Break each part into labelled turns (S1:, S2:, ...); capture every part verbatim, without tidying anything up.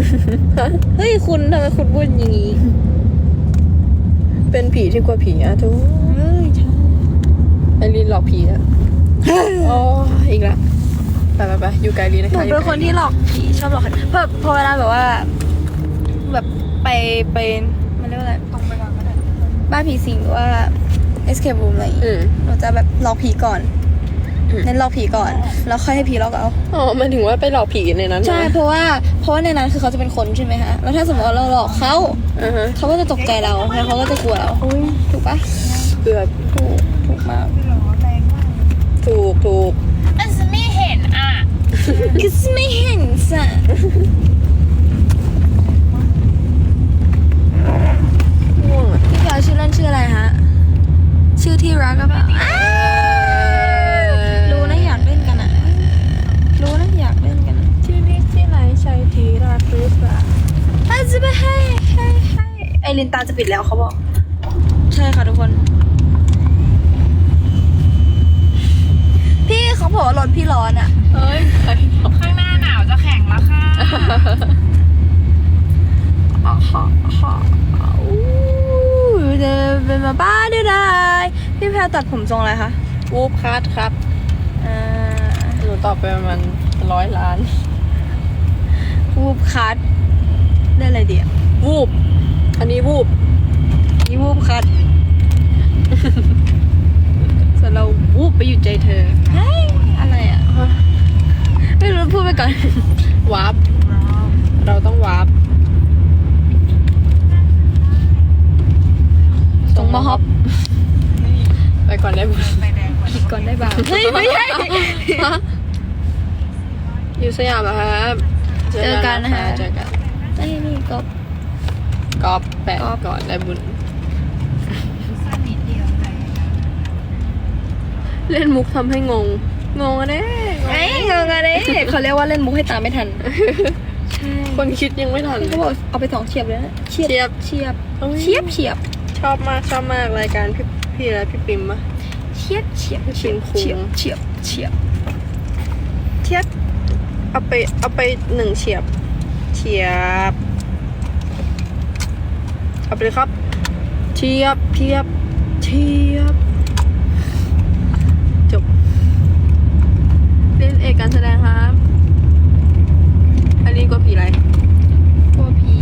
S1: เฮ้ยคุณทำไมคุณพูดอย่างนี้
S2: เป็นผีที่กลัวผีอะทุก
S1: เฮ้ยใช่
S2: ไอรีนหลอกผีอะอ๋ออีกแล้วไปไปไปอยู่ไกลลีนะ
S1: หนู
S2: คะ
S1: เป็นคนที่หลอกผีชอบหลอกใครเพราะพอเวลาแบบว่า แบบไปไปมันเรียกว่าอะไรตรงไปก่อนก็ได้บ้านผีสิงหรือว่า escape room อะไรอย่าง
S2: อื
S1: งี้
S2: ม
S1: หนูจะแบบหลอกผีก่อน
S2: อืม
S1: เน้นหลอกผีก่อน แล้วค่อยให้ผีหลอกเอา
S2: อ๋อมันถึงว่าไปหลอกผีในนั้น
S1: ใช่
S2: ไหม
S1: เพราะว่าเพราะว่าในนั้นคือเขาจะเป็นคนใช่ไหมคะแล้วถ้าสมมติว่าเราหลอกเขา
S2: อ่าฮะ
S1: เขาก็จะตกใจเราแล้วเขาก็จะกลัวเราถูกปะ
S2: เกือบ
S1: ถูกถูกมาก
S2: ถูกถูก
S3: อันฉันไม่เห็นอ่ะ
S1: คือไม่เห็นสะ
S2: ง่วงอะ
S1: พี่แกชื่อเล่นชื่ออะไรฮะชื่อที่รักก็แบบรู้นะอยากเล่นกันอ่ะรู้นะอยากเล่นกันอะ
S2: ที่นี่ที่ไหนใช่ทีรักหรือเปล่า
S1: อาจจะไปให้ให้ให้ไอลินตาจะปิดแล้วเขาบอก ใช่ค่ะทุกคน พี่เขาบอกว่ารถพี่ร้อนอ่ะ
S2: เอ้ยใครบอก
S3: ข้างหน้าหนาวจะแข็งแล้วค่ะ
S1: อ๋อฮะฮะอู้เดินเป็นมาบ้าได้ได้พี่แพรตัดผมทรงอะไรคะ
S2: วูบคัทครับ
S1: อ่า
S2: หนูตอบไปประมาณร้อยล้าน
S1: วูบคัทได้อะไรดีอ่ะ
S2: วูบ อันนี้วูบ
S1: นี่วูบคัท ส่วนเราวูบไปอยู่ใจเธอเฮ้ยอะไรอ่ะ ไม่รู้พูดไปก่อน
S2: วาร์ปเราต้องวาร์ป
S1: ตรงมาฮอป
S2: ไปก่อนได้บุญ
S1: ผิดก่อนได้บ้างเฮ้ยไม่ใช่
S2: อยู่สยามเหรอครับ
S1: เจอกันนะคะ
S2: เจอกัน
S1: ไอ้นี่ก็
S2: กอบแปะ
S1: ก๊อป
S2: ก่อนได้บุญเล่นมุกทำให้งง งงอะเด้
S1: ไอ้งงอะไรเขาเรียกว่าเล่นมุกให้ตามไม่ทัน ใช่
S2: คนคิดยังไม่ทัน
S1: เขาบอกเอาไปสองเฉียบเลยนะเฉียบ
S2: เฉียบ
S1: เฉียบเฉียบเฉียบ
S2: ชอบมากชอบมากรายการพี่พี่และพี่ปิมอะ
S1: เฉียบเฉียบ
S2: ชิงคุง
S1: เฉียบเฉียบเฉียบ
S2: เทียบเอาไปเอาไปหนึ่งเฉียบเฉียบเอาไปเลยครับเทียบเทียบเทียบจบเล่นเอกการแสดงครับอันนี้ก็ผีอะไร
S1: กลัวผี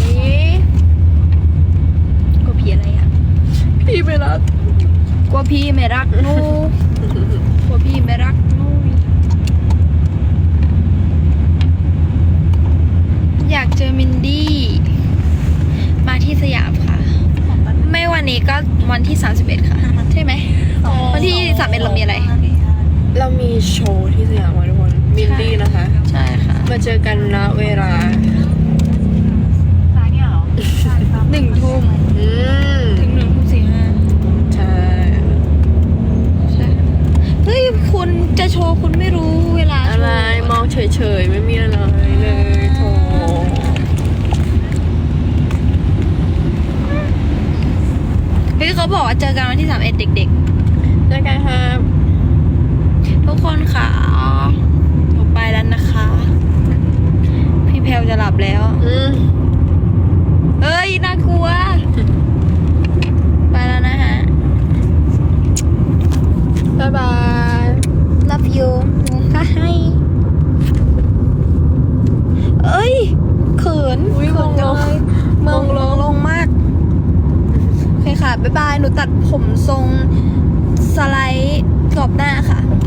S1: กลัวผีอะไรอ่ะ
S2: ผีไปรัก
S1: กลัวพี่ไม่รักหนูกลัวพี่ไม่รักหนูอยากเจอมินดี้มาที่สยามค่ะ ไม่วันนี้ก็วันที่สามสิบเอ็ดค่ะ ใช่ไหมวันที่สามสิบเอ็ดเรามีอะไร
S2: เรามีโชว์ที่สยามค่ะทุกคนมินดี้นะคะ
S1: ใช่ค่ะ
S2: มาเจอกันณเวลา
S3: ซ้ายเนี่ยเหรอ
S1: หนึ่งทุ่ม
S2: อืม
S1: ถึงหนึ่งทุ่มสี่ห้า
S2: ใช่
S1: ใช่เฮ้ยคุณจะโชว์คุณไม่รู้เวลาโชว์
S2: อะไรมองเฉยๆไม่มีอะไรเลยโถ
S1: เฮ้ยเขาบอกว่าเจอกันวันที่สามเอ็ดเด็ก
S2: เจอกันครับ
S1: ๆ ทุกคนค่ะหนูไปแล้วนะคะ พี่แพลวจะหลับแล้ว
S2: อืม
S1: เอ้ยน่ากลัว ไปแล้วนะฮะ
S2: บ๊ายบาย
S1: love you หนูก็ให้ เอ้ยเขิน
S2: อุ๊ย
S1: เขินจังเลย
S2: ม
S1: เมื
S2: อ
S1: อง ง
S2: ล
S1: ล
S2: ง
S1: งลงมาก โอเคค่ะ บ๊ายบาย หนูตัดผมทรงสไลด์กรอบหน้าค่ะ